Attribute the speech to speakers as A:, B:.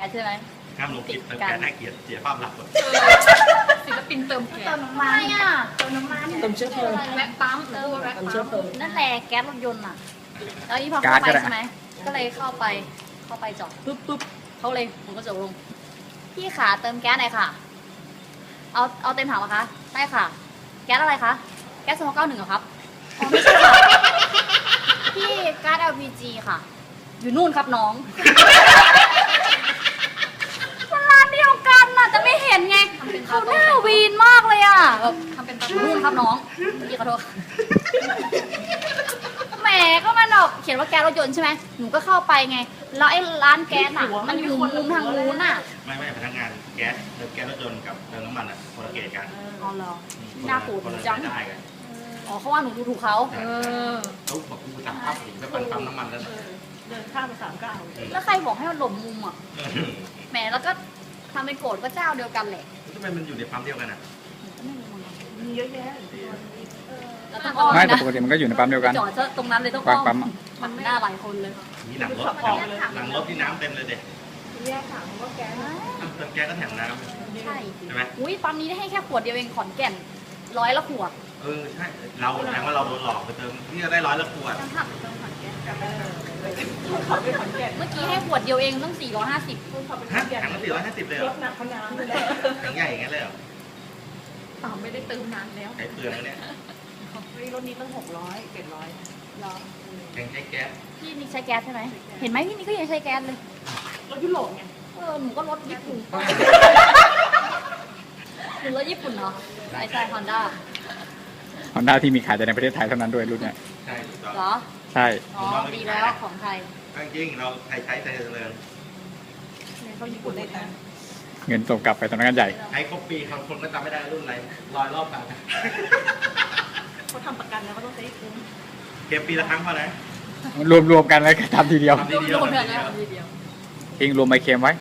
A: ใช่ไหม
B: ห้ามลงคลิปเติมแก๊สน่าเกลียดเสียภาพลักษณ์หมด
A: ศิลปินเติมแก๊ส
C: เติมน้ำมันอ่ะเติมน้ำมัน
D: เติมเชื้อเพลิง
A: แว็กปั๊มแว็ก
D: เติมเชื้อเพลิ
A: ปั๊
D: ง
A: มนั่นแหละแก๊สรถยนต์อ่ะแล้วนี่พอเข้าไปใช่ไหมก็เลยเข้าไปจอดปุ๊บเขาเลยผมก็จอดลงพี่ขาเติมแก๊สหน่อยค่ะเอาเต็มถังเหรอคะได้ค่ะแก๊สอะไรคะแก๊ส291เหรอครับอ๋อไม่ใช่ค่ะพี่ก๊าซ LPG ค่ะ อยู่นู่นครับน้องมันร้านเดียวกันน่ะแต่ไม่เห็นไงเขาหน้าวีนมากเลยอ่ะแบบทำเป็นตานู่นครับน้องพี่ขอโทษแหมก็มันแบบเขียนว่าแก๊สรถยนต์ใช่ไหมหนูก็เข้าไปไงแล้วไอ้ร้านแก๊สอ่ะมันอยู่มุมทางนู้นอ่ะ
B: ไม่พนักงานแก๊สเติมแก๊สรถยนต์กับเติมน้ำมันอ่ะคนละเกรดกัน
A: อ๋อเหรอหน้าปูด
B: คนละ
A: จัง
B: ได้กัน
A: อ๋อเขาว่าหนูดูถูกเขา
B: เขาบอกกูสั่งข้าวถึงไปปั๊มน้ำมันแล้ว
D: เดินข้ามไป39
A: แล้วใครบอกให้มันหลบมุมอ่ะแหมแล้วก็ทำเป็นโกรธก็เจ้าเดียวกันแหละ
B: ทำไมมันอยู่ในปั๊มเดียวกันอ่ะ
D: มีเยอะแยะ
A: แล้วต้องอ้อม
E: ไม่แต่
A: นะ
E: ปกติมันก็อยู่ในปั๊มเดียวกัน
A: จอดซะตรงนั้นเลยต้อง
E: วา
A: อ้
E: ง
A: อม
E: ปั๊มอะ
A: มันหน้าหลายคนเลย
B: มีหลังรถที่น้ำเต็มเลยเด็ก
D: แยกถังว่าแก๊ส
B: เติมแก๊สก็แถมน้
A: ใช่
B: ำใช่ไหม
A: อุ้ยปั๊มนี้ได้ให้แค่ขวดเดียวเองขอนแก่น100 ละขวด
B: ใช่เราแสดงว่าเราโดนหลอกไปเติมที่จะได้100 ละขวด
A: จังหักเติมขอนแก่น
D: ขับไปขอนแก่น
A: เมื่อกี้ให้ขวดเดียวเองต้อง450
D: ขับไปข
B: ฮะ
D: อนแก่น
B: ถังละ450เลยเห
D: ร
B: รอ
D: ถหนักขนาดเลย
B: ถังใหญ่อย่างนั้นเลยเหรอ
A: เปล่าไม่ได้เติมนานแล้ว
B: ใช้เปลืองแล้วเนี่ย
D: รถนี้ตั้ง600 700
A: เหรอ
B: แกงใช้แก๊ส
A: พี่นี่ใช้แก๊สใช่ไหมเห็นไหมพี่นี่ก็ยังใช้แก๊สเลย
D: รถยุโรปไง
A: หนูก็รถญี่ปุ่นหนูรถญี่ปุ่นเหรอใช่ฮอนด้า
E: ฮอนด้าที่มีขายแต่ในประเทศไทยเท่านั้นด้วยรุ่นเนี้ย
B: ใช่ถูกต้อง
A: เหรอ
E: ใช่
A: อ๋อดีแล้วของไทย
B: จริงเราไทยใช้ไทยเจริญ
D: เขาญี่ปุ่นได้นะ
E: เงินส่งกลับไปสำนักงานใหญ่
B: ใช้ครบปีบางคนก็จำไม่ได้รุ่นอะไร100 รอบกัน
D: เขาทำประกันแล้วก็ต้องใช้คุ้ม
B: เก็บปีละครั้งพอนะ
E: รวมๆกันแล้วก็ทำทีเดียว
B: ทำทีเดียว
A: โดนเลยนะทีเดียว
E: เองรวมใบเค็มไว้